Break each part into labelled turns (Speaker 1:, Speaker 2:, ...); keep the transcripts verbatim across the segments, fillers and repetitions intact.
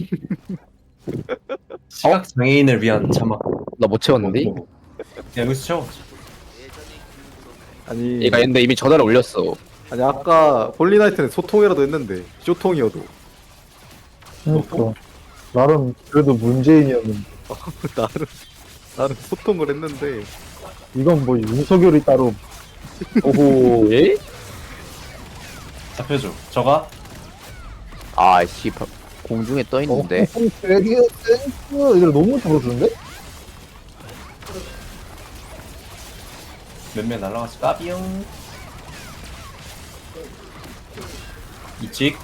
Speaker 1: 시각 장애인을 위한 자막.
Speaker 2: 나 못 채웠는데?
Speaker 1: 야, 여기서 채워.
Speaker 3: 아니
Speaker 2: 얘가 근데 이미 전화를 올렸어.
Speaker 3: 아니 아까 홀리나이트는 소통이라도 했는데 쇼통이어도
Speaker 4: 그러니까 나름 그래도 문재인이었는데
Speaker 3: 나름 나름 소통을 했는데
Speaker 4: 이건 뭐 윤석열이 따로
Speaker 2: 오호, 예?
Speaker 1: 잡혀줘. 저가
Speaker 2: 아, 씨, 바- 공중에 떠 있는데.
Speaker 4: 어, 되게 센스 이들 너무 잘해주는데?
Speaker 1: 몇몇 날라갔어. 까비용. 이찍.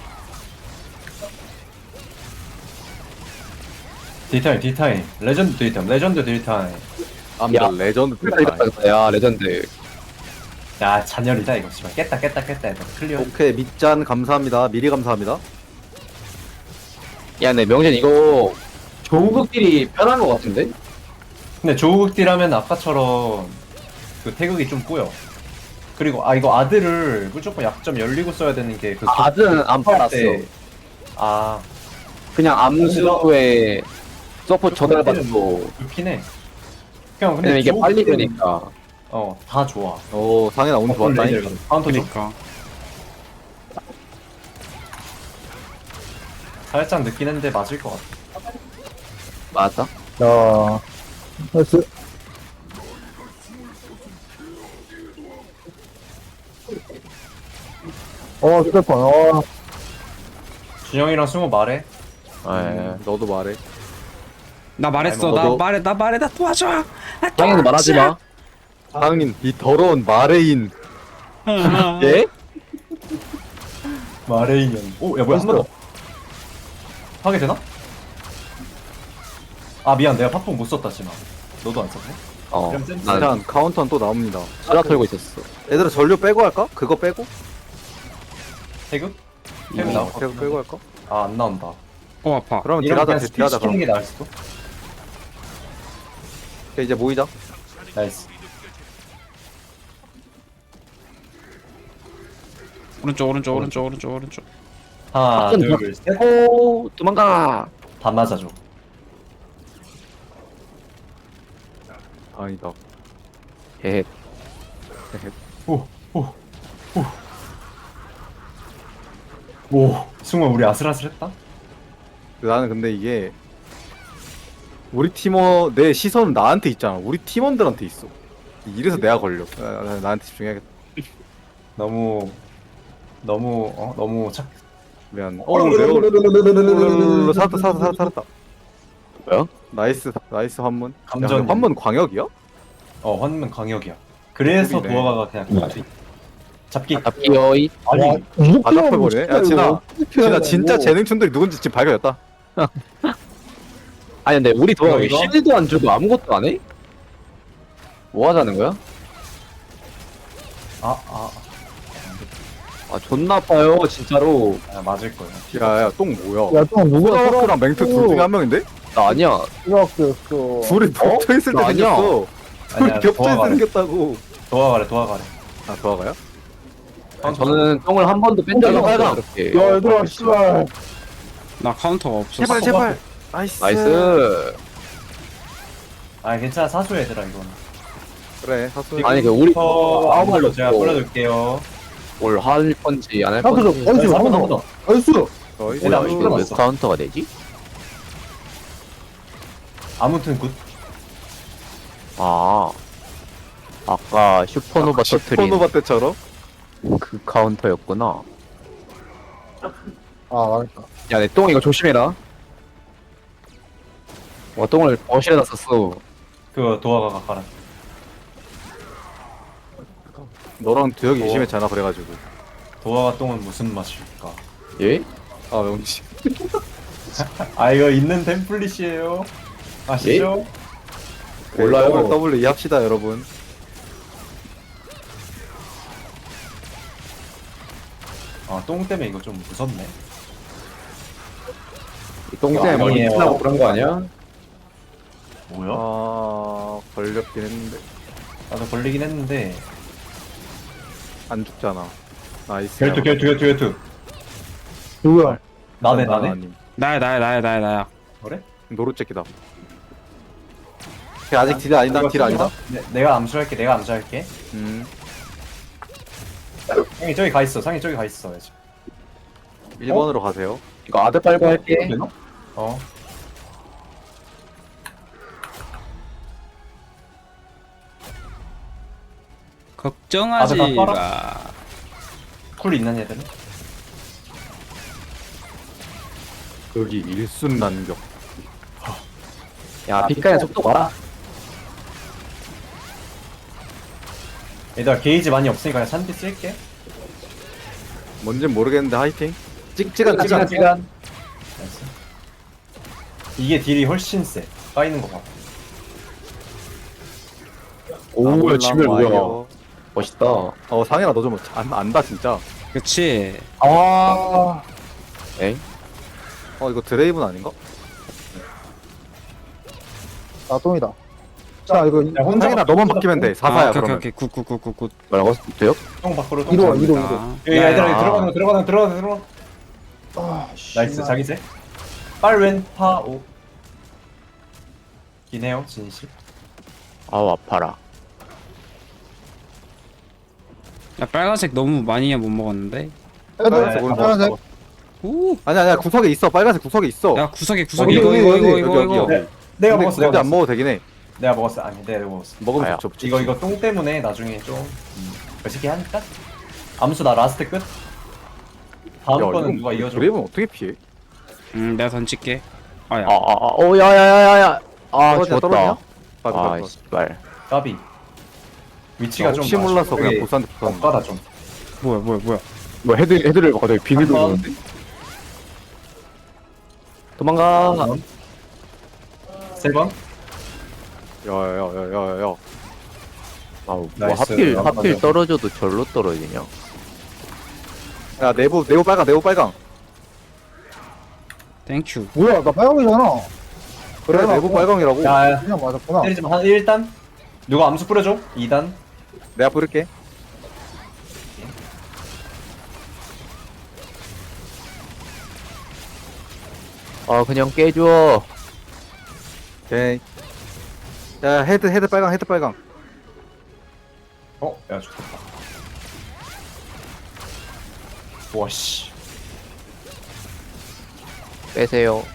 Speaker 1: 딜타임, 딜타임. 레전드 딜타임, 레전드 딜타임.
Speaker 3: 아무튼
Speaker 2: 야.
Speaker 3: 레전드
Speaker 2: 이겼다, 이겼다. 야, 레전드.
Speaker 1: 야, 잔열이다, 이거. 씨발. 깼다, 깼다, 깼다. 이거 클리어.
Speaker 3: 오케이 밑잔 감사합니다 미리 감사합니다
Speaker 2: 야, 근데 명진 이거 조국끼리 편한 것 같은데?
Speaker 1: 근데 조국 딜하면 아까처럼 그 태극이 좀 꼬여. 그리고, 아, 이거 아들을 무조건 약점 열리고 써야 되는 게 그.
Speaker 2: 아, 아들은 안 팔았어.
Speaker 1: 때- 아,
Speaker 2: 그냥 암수에 서포트 전달받고.
Speaker 1: 좋긴 해. 그냥 근데
Speaker 2: 근데 이게
Speaker 1: 조국
Speaker 2: 빨리
Speaker 1: 딜은,
Speaker 2: 되니까.
Speaker 1: 어, 다 좋아.
Speaker 3: 오 상현아 오늘 좋았다
Speaker 1: 레이저 카운터 좀.
Speaker 5: 그니까
Speaker 1: 살짝 늦긴 했는데 맞을 것 같아.
Speaker 2: 맞아?
Speaker 4: 야 나이스 어 휴대폰 어
Speaker 1: 준영이랑 승우 말해.
Speaker 2: 예.
Speaker 3: 너도 말해
Speaker 5: 나 말했어
Speaker 3: 아니, 뭐
Speaker 5: 나
Speaker 3: 너도-
Speaker 5: 말해 나 말해 나 도와줘 나
Speaker 2: 당연히 말하지 마.
Speaker 3: 상인 이 더러운 마레인
Speaker 2: 예?
Speaker 1: 마레이년. 오, 야 뭐야 한 번 더. 하게 되나? 아 미안, 내가 팝뽕 못 썼다 지마. 너도 안 썼네?
Speaker 2: 어.
Speaker 1: 그럼 쌤
Speaker 2: 난
Speaker 3: 일단 카운터는 또 나옵니다
Speaker 2: 수라 털고 있었어.
Speaker 3: 얘들아 전류 빼고 할까? 그거 빼고?
Speaker 1: 태극? 태극
Speaker 3: 어,
Speaker 1: 나올 것
Speaker 3: 그거
Speaker 1: 같은데.
Speaker 3: 빼고 할까?
Speaker 1: 아, 안 나온다.
Speaker 5: 어 아파
Speaker 3: 그러면
Speaker 1: 이런
Speaker 3: 딜하자
Speaker 1: 그냥
Speaker 3: 딜-
Speaker 1: 스킵
Speaker 3: 딜하자
Speaker 1: 시키는
Speaker 3: 그럼
Speaker 1: 게 나을 수도?
Speaker 3: 오케이, 이제 모이자
Speaker 1: 나이스.
Speaker 5: 오른쪽 오른쪽 오른쪽 오른쪽 오른쪽
Speaker 1: 하나,
Speaker 2: 좀
Speaker 1: 둘, 셋.
Speaker 2: 오, 도망가.
Speaker 1: 다 맞아줘.
Speaker 3: 아니다
Speaker 2: 예.
Speaker 1: 오, 오, 오. 오, 승우 우리 아슬아슬했다?
Speaker 3: 나는 근데 이게 우리 팀원 내 시선은 나한테 있잖아 우리 팀원들한테 있어 이래서 내가 걸려 아, 나, 나한테 집중해야겠다
Speaker 1: 너무 너무 어 너무 착.
Speaker 3: 미안 어 레오 살았다 살았다 살았다 살았다
Speaker 2: 뭐야?
Speaker 3: 나이스 나이스 환문
Speaker 1: 감전.
Speaker 3: 야, 근데 환문 광역이야?
Speaker 1: 어, 환문 강역이야. 그래서
Speaker 3: 그리네.
Speaker 1: 도화가가 그냥 그 잡기.
Speaker 2: 잡기어이.
Speaker 1: 아니,
Speaker 3: 바닥해버리네 야 진아 진아 진짜 재능충들이 누군지 지금 발견했다
Speaker 2: 아니 근데 우리 도와
Speaker 1: 이거, 이거?
Speaker 2: 실드 안 주고 아무것도 안 해? 뭐 하자는 거야?
Speaker 1: 아, 아,
Speaker 2: 아 존나 아파요 진짜로.
Speaker 1: 아, 맞을 거야.
Speaker 3: 야야 똥 뭐야
Speaker 4: 야또 누가
Speaker 3: 소라워크랑 맹트 둘 중에 한 명인데?
Speaker 2: 나 아니야.
Speaker 4: 들어왔어
Speaker 3: 둘이 겹쳐있을 때
Speaker 2: 나 아니야.
Speaker 3: 생겼어 둘이
Speaker 1: 아니야,
Speaker 3: 겹쳐있을 때
Speaker 1: 도화가래.
Speaker 3: 생겼다고
Speaker 1: 도화가래, 도화가래.
Speaker 3: 아 도화가요?
Speaker 2: 아, 저는 똥을 한 번도 뺀 적이
Speaker 4: 어,
Speaker 2: 없어요
Speaker 4: 빨강.
Speaker 2: 그렇게.
Speaker 4: 야 얘들아 씨발
Speaker 5: 나 카운터가 없었어
Speaker 3: 제발 제발 나이스
Speaker 2: 나이스.
Speaker 1: 아, 괜찮아. 사수 얘들아, 이거는.
Speaker 3: 그래 사수
Speaker 2: 아니 그 우리
Speaker 1: 어,
Speaker 2: 아무 말도
Speaker 1: 제가
Speaker 2: 없고
Speaker 1: 뿌려줄게요.
Speaker 2: 뭘 할 건지 안 할
Speaker 4: 카운터
Speaker 2: 건지.
Speaker 4: 좀 나이스
Speaker 1: 한번 더,
Speaker 4: 한번
Speaker 1: 한번
Speaker 4: 더
Speaker 1: 더.
Speaker 4: 나이스
Speaker 3: 나이스
Speaker 1: 얘들아,
Speaker 2: 뭐야
Speaker 1: 이거
Speaker 2: 이게 몇
Speaker 1: 들어갔어.
Speaker 2: 카운터가 되지?
Speaker 1: 아무튼 굿.
Speaker 2: 아 아까 슈퍼노바 터트린
Speaker 3: 슈퍼노바 때처럼
Speaker 2: 그 카운터였구나.
Speaker 4: 아 망했다
Speaker 2: 야 내 똥 이거 조심해라. 와 똥을 거실에다 썼어.
Speaker 1: 그 도화가가 가라.
Speaker 3: 너랑 두혁이
Speaker 1: 어.
Speaker 3: 의심했잖아 그래가지고
Speaker 1: 도화가 똥은 무슨 맛일까?
Speaker 2: 예?
Speaker 3: 아 명치
Speaker 1: 아, 이거 있는 템플릿이에요. 아시죠?
Speaker 2: 몰라요.
Speaker 3: 더블 더블 이해합시다 여러분
Speaker 1: 아, 똥 때문에 이거 좀 무섭네.
Speaker 2: 똥 때문에 머리
Speaker 1: 아니에요.
Speaker 2: 미친다고 그런 거 아니야?
Speaker 1: 뭐야?
Speaker 3: 아 걸렸긴 했는데
Speaker 1: 나도 걸리긴 했는데.
Speaker 3: 안 죽잖아 나이스
Speaker 1: 결투, 결투, 결투, 결투.
Speaker 4: 누구야
Speaker 1: 나네, 나네.
Speaker 3: 나나님.
Speaker 5: 나야 나야 나야 나야 나야.
Speaker 1: 그래?
Speaker 3: 노루째끼다. 걔 아직 딜 아니다.
Speaker 1: 이거
Speaker 3: 딜 아니다.
Speaker 1: 네, 내가 암수할게. 내가 암수할게.
Speaker 3: 음.
Speaker 1: 상이 저기 가 있어. 상이 저기 가 있어. 지금.
Speaker 3: 일 번으로 가세요.
Speaker 2: 이거 아드 빨고 할게.
Speaker 1: 되나? 어.
Speaker 5: 걱정하지
Speaker 1: 아드 다
Speaker 5: 마.
Speaker 1: 쿨 있는 애들은?
Speaker 3: 여기 일순 난격.
Speaker 2: 야 빛깔의 속도 봐라.
Speaker 1: 얘들아 게이지 많이 없으니까 그냥 산디 쓸게.
Speaker 3: 뭔진 모르겠는데 하이팅. 찍찍한
Speaker 2: 시간
Speaker 3: 찍찍한.
Speaker 2: 시간.
Speaker 1: 나이스. 이게 딜이 훨씬 세. 까이는 거 봐.
Speaker 2: 오 지멸 뭐야.
Speaker 3: 와이어.
Speaker 2: 멋있다.
Speaker 3: 어 상현아 너 좀 안다 진짜.
Speaker 5: 그치.
Speaker 4: 아,
Speaker 2: 에이.
Speaker 3: 어 이거 드레이븐 아닌가?
Speaker 4: 아, 똥이다. 자, 이거,
Speaker 1: 야, 혼자
Speaker 3: 상현아 너만 바뀌면 돼. 사사야
Speaker 5: 아, 오케이
Speaker 3: 그러면.
Speaker 5: 오케이 굿굿굿굿굿.
Speaker 2: 뭐라고? 돼요?
Speaker 1: 똥 밖으로 똥
Speaker 4: 이리 와,
Speaker 1: 밖으로.
Speaker 4: 이리 와.
Speaker 5: 아,
Speaker 1: 야, 야, 얘들아
Speaker 2: 야.
Speaker 1: 들어가는 거 들어가는 거 들어가는 거 들어가.
Speaker 4: 아, 씨.
Speaker 1: 나이스 자기세. 빨왼파오. 기네요 진실.
Speaker 2: 아우 아파라.
Speaker 5: 야 빨간색 너무 많이 못 먹었는데.
Speaker 3: 빨간색
Speaker 1: 네,
Speaker 3: 오른
Speaker 4: 빨간색.
Speaker 3: 거.
Speaker 5: 오.
Speaker 3: 아니 아니야 구석에 있어. 빨간색 구석에 있어.
Speaker 5: 야 구석에 구석에
Speaker 4: 여기,
Speaker 5: 이거
Speaker 4: 여기,
Speaker 5: 이거
Speaker 4: 여기,
Speaker 5: 이거 이거
Speaker 3: 여기,
Speaker 5: 이거.
Speaker 3: 여기.
Speaker 1: 네, 내가
Speaker 3: 근데
Speaker 1: 먹었어.
Speaker 3: 근데
Speaker 1: 내가
Speaker 3: 안
Speaker 1: 먹었어.
Speaker 3: 먹어도 되긴 해.
Speaker 1: 내가 먹었어. 아니 내가 먹었어.
Speaker 3: 먹으면
Speaker 2: 아야.
Speaker 3: 좋죠.
Speaker 1: 이거 이거 똥 때문에 나중에 좀 음, 멋있게 하니까. 암수 나 라스트 끝. 다음 거는 누가 이어줘?
Speaker 3: 드레이븐 어떻게 피해?
Speaker 5: 음 내가 던질게. 아야.
Speaker 2: 아아아오 야야야야야. 아
Speaker 3: 떨어지냐, 떨어지냐?
Speaker 2: 죽었다.
Speaker 3: 맞아,
Speaker 2: 아
Speaker 3: 맞아.
Speaker 2: 씨발.
Speaker 1: 까비. 위치가 좀
Speaker 3: 혹시 몰라서 그냥
Speaker 1: 아쉽게
Speaker 3: 보스한테 붙었는데.
Speaker 1: 엇가다 좀.
Speaker 5: 뭐야 뭐야 뭐야.
Speaker 2: 뭐 헤드 헤드를 갑자기 비밀
Speaker 1: 한 번.
Speaker 2: 돌리는데. 도망가.
Speaker 1: 세 번.
Speaker 3: 야야야야야야.
Speaker 2: 아우 뭐
Speaker 1: 나이스.
Speaker 2: 하필
Speaker 1: 아,
Speaker 2: 하필
Speaker 1: 맞아.
Speaker 2: 떨어져도 절로 떨어지냐.
Speaker 3: 야 내부 내부 빨강 내부 빨강.
Speaker 5: 땡큐.
Speaker 4: 뭐야, 나 빨강이잖아.
Speaker 3: 그래
Speaker 4: 빨강.
Speaker 3: 내부 빨강이라고.
Speaker 1: 야,
Speaker 4: 그냥 맞았구나.
Speaker 1: 때리지 마. 한 일 단. 누가 암수 뿌려줘? 이 단.
Speaker 3: 내가 부를게.
Speaker 2: 아 그냥 깨줘.
Speaker 3: 오케이. 야 헤드 헤드 빨강 헤드 빨강.
Speaker 1: 어? 야 좋겠다. 와씨.
Speaker 2: 빼세요.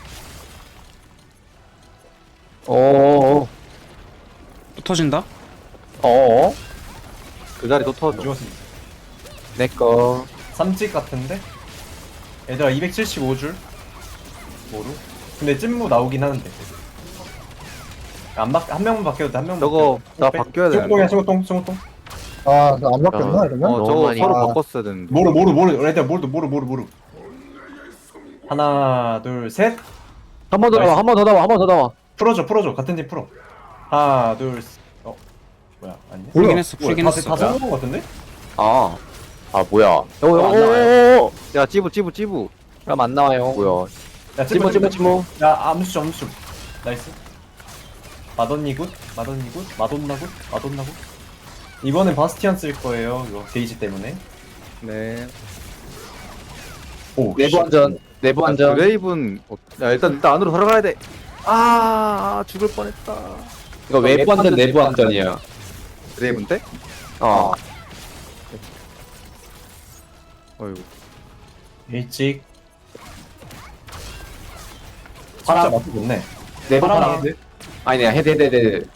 Speaker 2: 어어어.
Speaker 5: 또 터진다?
Speaker 2: 어어.
Speaker 3: 그 자리 또 터져.
Speaker 1: 죽었습니다.
Speaker 2: 내꺼.
Speaker 1: 삼찍 같은데? 얘들아 이백칠십오 줄. 뭐로? 근데 찐무 나오긴 하는데. 안 바, 한 명만 바뀌어도 돼. 한 명만.
Speaker 3: 저거 나
Speaker 1: 빼.
Speaker 3: 바뀌어야 되는데.
Speaker 1: 승우통이야 승우통 승우통.
Speaker 4: 아, 나 안 바뀌었나, 이러면?
Speaker 3: 어
Speaker 2: 너무
Speaker 3: 저거
Speaker 2: 많이
Speaker 3: 서로
Speaker 4: 가.
Speaker 3: 바꿨어야 되는데.
Speaker 1: 모르 모르 모르. 얘들아 모르 모르 모르 모르. 하나 둘 셋.
Speaker 2: 한 번 더 나와 한 번 더 나와 한 번 더 나와.
Speaker 1: 풀어줘 풀어줘 같은 팀 풀어. 하나 둘 셋. 어 뭐야 아니네.
Speaker 5: 풀긴 했어
Speaker 1: 뭐야,
Speaker 5: 풀긴
Speaker 1: 다,
Speaker 5: 했어.
Speaker 1: 다 성공한 거 같은데?
Speaker 2: 아. 아 뭐야.
Speaker 1: 안 나와요.
Speaker 2: 어어어어.
Speaker 3: 야 찌부 찌부 찌부.
Speaker 2: 그럼 안 나와요. 뭐야.
Speaker 1: 야
Speaker 2: 찌모 찌모 찌모.
Speaker 1: 야 암수 좀 암수. 나이스. 마돈니 굿 마돈니 굿 마돈나 굿 마돈나 굿. 이번엔 바스티안 쓸 거예요. 이거 게이지 때문에.
Speaker 3: 네.
Speaker 1: 오
Speaker 2: 내부 안전. 내부 안전.
Speaker 3: 드레이븐. 어, 야 일단 일단 안으로 들어가야 돼. 아 죽을 뻔했다.
Speaker 2: 이거 외부 안전 내부 안전이야.
Speaker 3: 드레이븐 때?
Speaker 2: 어.
Speaker 3: 어이구.
Speaker 1: 일찍.
Speaker 2: 파랑.
Speaker 1: 진짜 맛이 좋네.
Speaker 2: 내부
Speaker 1: 파랑
Speaker 2: 파랑.
Speaker 1: 헤드.
Speaker 2: 아니야 헤드 헤드 헤드.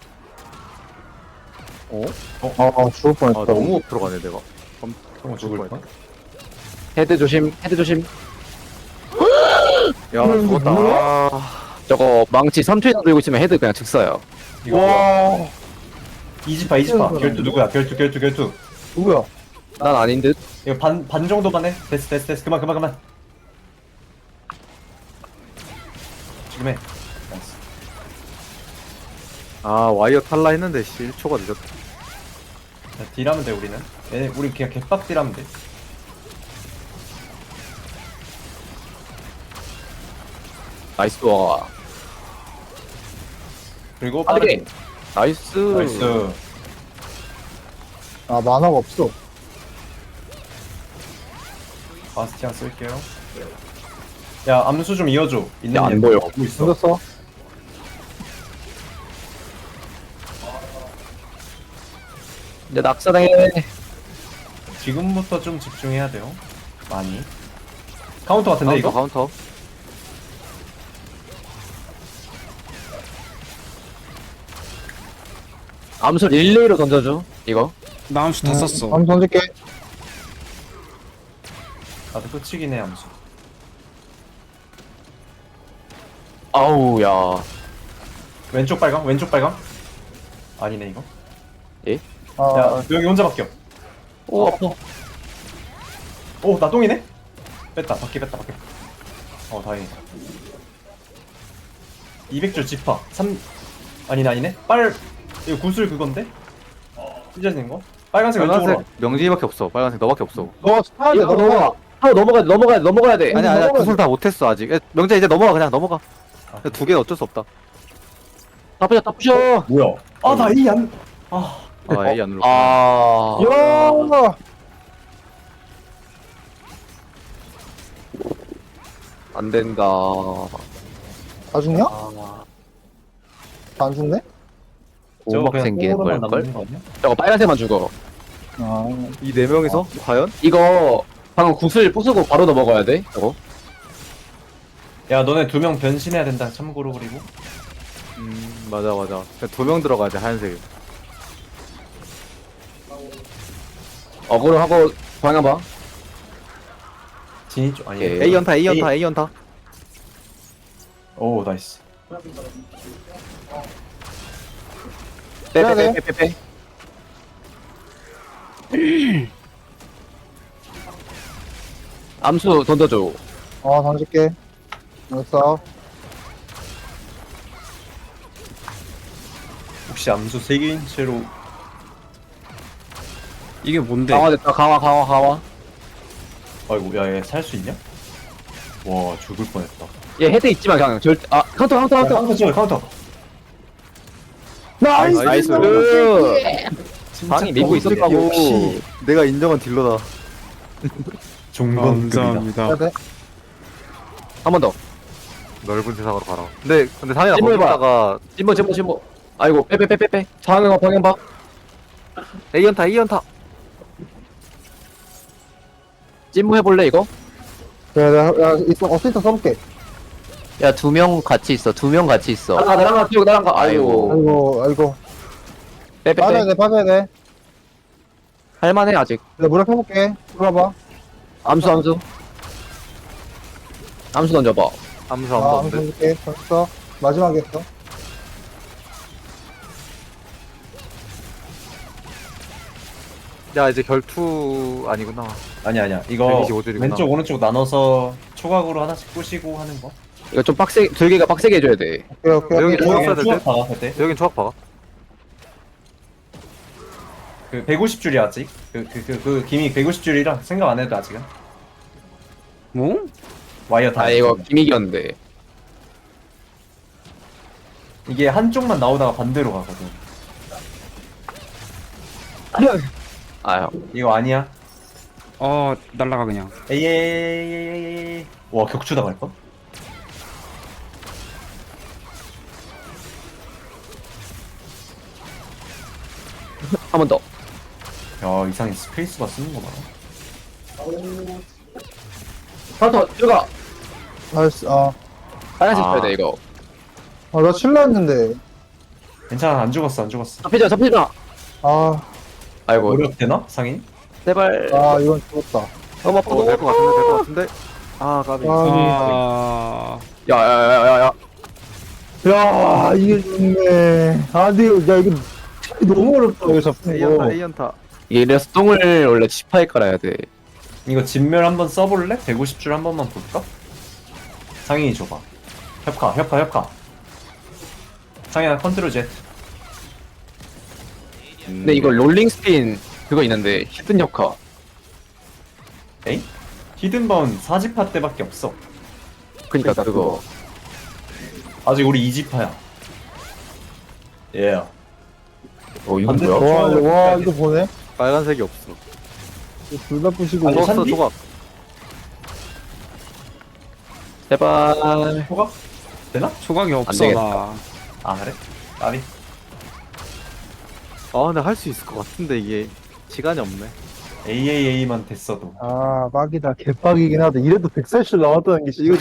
Speaker 3: 어?
Speaker 4: 아, 죽을
Speaker 3: 아
Speaker 4: 뻔했다.
Speaker 3: 너무 앞으로 가네 내가.
Speaker 1: 형 죽을 뻔.
Speaker 2: 헤드 조심. 헤드 조심.
Speaker 3: 야 죽었다. 아,
Speaker 2: 저거 망치 삼 초이나 들고 있으면 헤드 그냥 즉사요.
Speaker 1: 이거 뭐야?
Speaker 4: 와,
Speaker 1: 이지파 이지파. 결투 누구야? 결투 결투 결투.
Speaker 4: 누구야?
Speaker 2: 난 아닌 듯.
Speaker 1: 이거 반 반 정도만 해. 됐어 됐어 됐어. 그만 그만 그만. 지금 해. 나이스.
Speaker 3: 아 와이어 탈라 했는데 씨 일 초가 늦었다.
Speaker 1: 자, 딜하면 돼 우리는. 얘네 우리 그냥 개빡 딜하면 돼.
Speaker 2: 나이스 와.
Speaker 1: 그리고
Speaker 2: 빠르게.
Speaker 1: 빠르게.
Speaker 2: 나이스.
Speaker 1: 나이스.
Speaker 4: 아, 만화가 없어.
Speaker 1: 바스티안 쓸게요. 야 암수 좀 이어줘. 있는
Speaker 2: 야, 안
Speaker 1: 일.
Speaker 2: 보여.
Speaker 1: 보고 있어.
Speaker 4: 던졌어.
Speaker 2: 이제 낙사당해.
Speaker 1: 지금부터 좀 집중해야 돼요. 많이. 카운터 같은데
Speaker 3: 카운터
Speaker 1: 이거?
Speaker 3: 카운터.
Speaker 2: 암수 릴레이로 던져줘. 이거.
Speaker 5: 나 암수 다 썼어.
Speaker 4: 한번 던질게.
Speaker 1: 나도 끝이긴 해 암수.
Speaker 2: 아우 야.
Speaker 1: 왼쪽 빨강? 왼쪽 빨강? 아니네 이거.
Speaker 4: 아,
Speaker 1: 야 여기 혼자 바뀌어.
Speaker 2: 오 아파.
Speaker 1: 오나 똥이네? 뺐다 바퀴 뺐다 바퀴. 어 다행이다. 이백 줄 지파. 삼 아니네 아니네. 빨 이거 구슬 그건데? 찢어지는 거? 빨간색 왼쪽으로.
Speaker 3: 빨간색 명진이밖에 없어. 빨간색 너밖에 없어.
Speaker 4: 너 차야 돼,
Speaker 2: 이거
Speaker 4: 너
Speaker 2: 넘어가. 하고 넘어가 넘어가 넘어가야 돼.
Speaker 3: 아니 아니야
Speaker 4: 넘어가야
Speaker 3: 구슬 다 못했어 아직. 야, 명재 이제 넘어가 그냥 넘어가.
Speaker 1: 아,
Speaker 3: 두 개는 어쩔 수 없다.
Speaker 2: 다 부셔 다 부셔.
Speaker 1: 뭐야? 아나 이 안. 아
Speaker 3: 아 A 안 눌렀어.
Speaker 2: 아.
Speaker 4: 야!
Speaker 2: 안 된다.
Speaker 4: 다 죽냐?
Speaker 1: 아.
Speaker 4: 안 죽네?
Speaker 1: 저거
Speaker 2: 오막
Speaker 1: 그냥
Speaker 2: 생기는
Speaker 1: 똥으로만
Speaker 2: 걸걸?
Speaker 1: 남는 거 아니야?
Speaker 2: 저거 빨간색만 죽어.
Speaker 4: 아,
Speaker 3: 이 네 명이서 과연?
Speaker 2: 이거 방금 구슬 부수고 바로 넘어가야 돼. 저거.
Speaker 1: 야 너네 두 명 변신해야 된다 참고로. 그리고
Speaker 3: 음 맞아 맞아. 두 명 들어가야 돼 하얀색.
Speaker 2: 어그로 하고 방향 봐.
Speaker 1: 진이 쪽 아니.
Speaker 2: 오케이.
Speaker 3: A 연타 A 연타 A 연타.
Speaker 1: 오 나이스.
Speaker 4: 해야 돼.
Speaker 2: 빼빼빼빼빼. 암수 던져줘.
Speaker 4: 어, 던질게. 됐어.
Speaker 1: 혹시 암수 세 개인 채로
Speaker 5: 이게 뭔데?
Speaker 2: 강화됐다. 강화 강화 강화.
Speaker 1: 아이고 야얘 살 수 있냐? 와 죽을 뻔했다.
Speaker 2: 얘 헤드 있지만 그냥 절대. 아 카운터 카운터
Speaker 1: 야,
Speaker 2: 카운터.
Speaker 1: 카운터 찍어 카운터.
Speaker 4: 나이스!
Speaker 3: 나이스.
Speaker 2: 방이 밀고 있었다고.
Speaker 3: 역시 내가 인정한 딜러다.
Speaker 1: 종건급이다.
Speaker 5: 감사합니다.
Speaker 4: 해야 돼.
Speaker 2: 한 번 더.
Speaker 3: 넓은 세상으로 가라. 근데 근데 상현아
Speaker 2: 찜을 봐.
Speaker 3: 거기다가
Speaker 2: 찜버 찜버 찜버. 아이고 빼빼빼빼빼. 방향 방향 봐.
Speaker 3: A 연타 A 연타.
Speaker 2: 찜무 해볼래 이거?
Speaker 4: 그래, 내가, 야, 있어, 어시스트 써볼게.
Speaker 6: 야, 두 명 같이 있어. 두 명 같이 있어.
Speaker 2: 나랑 가 나랑 가 뛰고 나랑 가. 아이고.
Speaker 4: 아이고, 아이고.
Speaker 2: 빼빼빼.
Speaker 4: 빠져야 돼, 빠져야 돼.
Speaker 2: 할만해 아직.
Speaker 4: 내가 무력 해볼게. 들어봐.
Speaker 2: 암수 암수. 암수 던져봐.
Speaker 3: 암수
Speaker 4: 아,
Speaker 3: 아무도
Speaker 4: 한번
Speaker 3: 없는데.
Speaker 4: 던질게. 됐어. 마지막에 했어.
Speaker 3: 야 이제 결투 아니구나.
Speaker 1: 아니 아니야 이거
Speaker 3: 백이십오 줄이구나.
Speaker 1: 왼쪽 오른쪽 나눠서 초각으로 하나씩 부시고 하는 거.
Speaker 2: 이거 좀 빡세 들개가 빡세게 해줘야 돼.
Speaker 4: 오케이, 오케이.
Speaker 3: 여기
Speaker 4: 오케이.
Speaker 3: 조각
Speaker 1: 그냥
Speaker 3: 써야 될
Speaker 1: 추억
Speaker 3: 듯?
Speaker 1: 박아 그때.
Speaker 3: 여긴 초각 봐가.
Speaker 1: 그 백오십 줄이야 아직. 그 그 그 그 기믹 백오십 줄이라 생각 안 해도 아직은.
Speaker 5: 뭐?
Speaker 1: 와이어 다.
Speaker 2: 아 이거 기믹이었는데.
Speaker 1: 이게 한쪽만 나오다가 반대로 가거든.
Speaker 2: 아유.
Speaker 1: 이거 아니야.
Speaker 5: 어 날라가 그냥.
Speaker 1: 에이에이에이에이에이. 와 격추 당할 뻔.
Speaker 2: 한 번 더.
Speaker 1: 야 이상해 스페이스바 쓰는 거 봐라.
Speaker 2: 카운터 들어가.
Speaker 4: 나이스, 어.
Speaker 2: 빨간색
Speaker 3: 아.
Speaker 2: 쳐야 돼 이거.
Speaker 4: 아, 나 칠라 했는데.
Speaker 1: 괜찮아 안 죽었어 안 죽었어.
Speaker 2: 잡히자 잡히자.
Speaker 4: 아,
Speaker 2: 아이고.
Speaker 1: 노력 되나 상인?
Speaker 2: 제발.
Speaker 4: 아, 이건 죽었다.
Speaker 2: 너무 아파.
Speaker 3: 어, 될 것 같은데 될 것 같은데. 아 까비.
Speaker 4: 아,
Speaker 5: 아
Speaker 2: 야야야야야.
Speaker 4: 야, 이게 좋네. 아, 근데, 이거- 야, 이거 너무 어렵다, 이거
Speaker 3: A
Speaker 4: 잡는
Speaker 3: 연타
Speaker 4: 거.
Speaker 3: A 연타.
Speaker 2: 이래서 똥을 원래 지파에 깔아야 돼.
Speaker 1: 이거 진멸 한번 써볼래? 백오십 줄 한 번만 볼까? 상인이 줘봐. 협카 협카 협카. 상인아 컨트롤 Z.
Speaker 2: 근데 이거 롤링 스핀 그거 있는데 히든 역화.
Speaker 1: 에이? 히든바운 사 지파 때밖에 없어.
Speaker 2: 그니까
Speaker 4: 그러니까
Speaker 2: 그거.
Speaker 1: 아직 우리 이 지파야. 예. Yeah.
Speaker 2: 어 이건
Speaker 1: 반대-
Speaker 2: 뭐야?
Speaker 4: 와, 이거, 와, 이거 보네.
Speaker 3: 빨간색이 없어.
Speaker 4: 둘 다 부시고.
Speaker 1: 아니,
Speaker 3: 초각 써
Speaker 1: 산디?
Speaker 3: 초각.
Speaker 2: 제발.
Speaker 1: 초각? 되나?
Speaker 5: 초각이 없어
Speaker 2: 되겠다.
Speaker 5: 나.
Speaker 1: 아 그래? 나비.
Speaker 3: 아 근데 할 수 있을 것 같은데 이게 시간이 없네.
Speaker 1: 에이에이에이만 됐어도.
Speaker 4: 아 빡이다 개빡이긴 하다. 이래도 백사십 남았다는 게
Speaker 3: 이거